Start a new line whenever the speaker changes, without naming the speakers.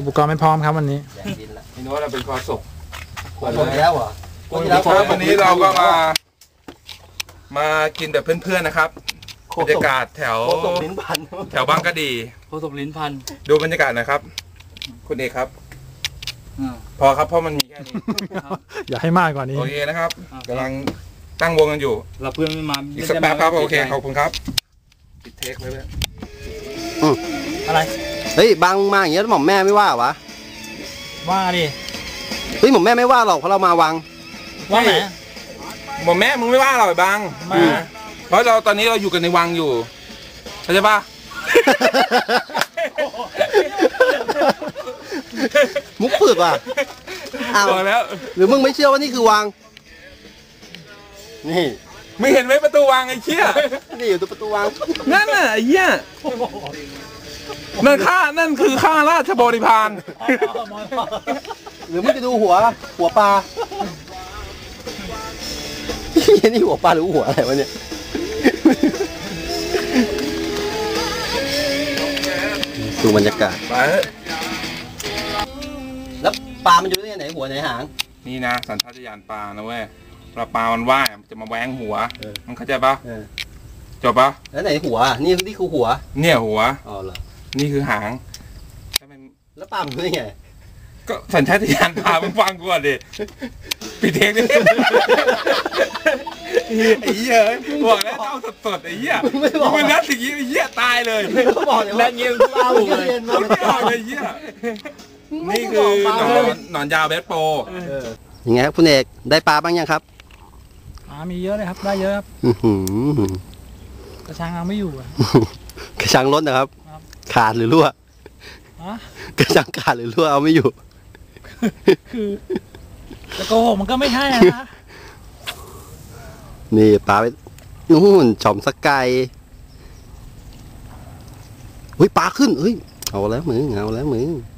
อุปกรณ์ไม่พร้อมครับวันนี้
พี่โน้ตเราเป็นคอศก
หมดแล้วเหรอ
วันนี้เราก็มากินแบบเพื่อนๆนะครับบรรยากาศแถวบางกะดี
โคศกลิ้นพัน
ดูบรรยากาศนะครับคุณเอกครับพอครับเพราะมันมีแค่นี้
อย่าให้มากกว่านี้
โอเคนะครับกำลังตั้งวงกันอยู่
เราเพื่อนไม่มา
อีกสักแป๊บครับโอเคขอบคุณครับปิดเทคไว้เลย
อะไร
เฮ้ยบางมาอย่างเงี้ยหม่อมแม่ไม่ว่าวะ
ว่าดิ
เฮ้ยหม่อมแม่ไม่ว่าหรอกเพราะเรามาวัง
ว่าไหน
หม่อมแม่มึงไม่ว่าหรอกบางเพราะเราตอนนี้เราอยู่กันในวังอยู่เข้าใจป่ะ
มุกฝืดว่ะอ้าว
แล้ว
หรือมึงไม่เชื่อว่านี่คือวังนี่
ไม่เห็นไหมประตูวังไอ้เชี่ย
นี่อยู่ตรงประตูวัง
นั่นน่ะไอ้เหี้ยนั่นคือข้าราชบริพาร
หรือมึงจะดูหัวปลานี่หัวปลาหรือหัวอะไรวะเนี่ยดูบรรยากาศแล้วปลามันอยู่ที่ไหนหัวไหนหาง
นี่นะสัญชาตญาณปลานะเว้ยปลามันว่ายมันจะมาแหวงหัวมันเข้าใจปะจบปะ
แล้วไหนหัวนี่คือหัว
เนี่ยหัว
อ๋อเหรอ
นี่คือหาง
แล้วปลามันเป็นไง
ก็สัญชาตญาณปลามึงฟังกูก่อนดิปิดเทงดิไอ้เหี้ยบอกแล้วเอาสดๆไอ้เหี้ยมึงนัดสิ่งนี้ไอ้เหี้ยตายเลย
แล้วเงี้ยเล่าเลย
ไม่บอกไอ้เหี้ยนี่คือหนอนยาวเบสโป
ยังไงครับคุณเอกได้ปลาบ้างยังครับ
มีเยอะเลยครับได้เยอะครับกระชังเอาไม่อยู่
กระชังล้นนะครับขาดหรือรั่วกระชังขาดหรือรั่วเอาไม่อยู่
คือจะโกหกมันก็ไม่ใช่นะ
นี่ปลาไปนู่นฉ่อมสกายเฮ้ยปลาขึ้นเฮ้ยเอาแล้วมึง